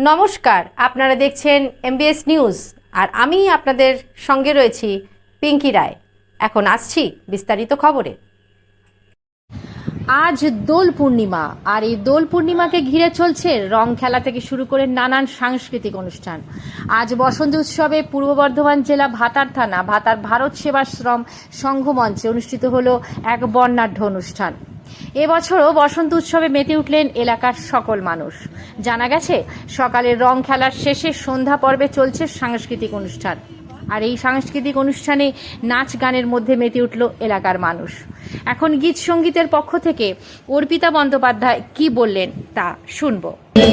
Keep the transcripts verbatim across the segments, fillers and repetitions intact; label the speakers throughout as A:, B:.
A: নমস্কার, আপনারা দেখছেন এমবিএস নিউজ আর আমি আপনাদের সঙ্গে রয়েছি পিঙ্কি রায়। এখন আসছি বিস্তারিত খবরে। আজ দোল পূর্ণিমা, আর এই দোল পূর্ণিমাকে ঘিরে চলছে রং খেলা থেকে শুরু করে নানান সাংস্কৃতিক অনুষ্ঠান। আজ বসন্ত উৎসবে পূর্ব বর্ধমান জেলা ভাতার থানা ভাতার ভারত সেবাশ্রম সংঘ মঞ্চে অনুষ্ঠিত হলো এক বর্ণাঢ্য অনুষ্ঠান। এবছরও বসন্ত উৎসবে মেতে উঠলেন এলাকার সকল মানুষ। জানা গেছে, সকালের রং খেলার শেষে সন্ধ্যা পর্বে চলছে সাংস্কৃতিক অনুষ্ঠান, আর এই সাংস্কৃতিক অনুষ্ঠানে নাচ গানের মধ্যে মেতে উঠল এলাকার মানুষ। এখন গীত সঙ্গীতের পক্ষ থেকে অর্পিতা বন্দ্যোপাধ্যায় কি বললেন তা শুনবো।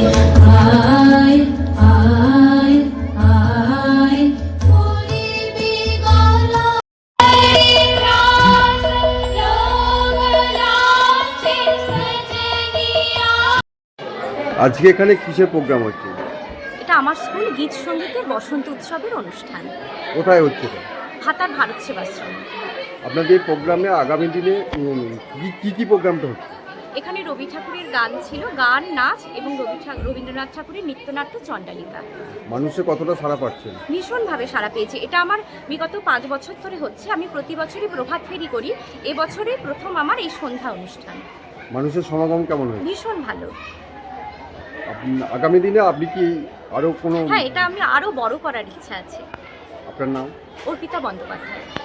B: আজকে এখানে কিসের প্রোগ্রাম হচ্ছে?
C: এটা আমার স্কুল গীত সঙ্গীতের বসন্ত উৎসবের অনুষ্ঠান।
B: কোথায় হচ্ছে এটা?
C: ভাতার ভারত সেবাশ্রম।
B: আপনাদের এই প্রোগ্রামে আগামী দিনে উম, কি কি কি প্রোগ্রামটা হচ্ছে?
C: এখানে রবি ঠাকুরের গান ছিল, গান, নাচ এবং রবি ঠা- রবীন্দ্রনাথ ঠাকুরের নৃত্যনাট্য চণ্ডালিকা।
B: মানুষের কতটা সাড়া পাচ্ছেন?
C: ভীষণভাবে সাড়া পেয়েছে। এটা আমার বিগত পাঁচ বছর ধরে হচ্ছে। আমি প্রতি বছরই প্রভাত ফেরি করি। এবছরে প্রথম আমার এই সন্ধ্যা অনুষ্ঠান।
B: মানুষের সমাগম কেমন হয়েছে?
C: ভীষণ ভালো।
B: আপনি- আগামী দিনে আপনি কি আরো কোনো?
C: হ্যাঁ, এটা আমি আরও বড় করার ইচ্ছা আছে।
B: আপনার নাম?
C: অর্পিতা বন্দ্যোপাধ্যায়।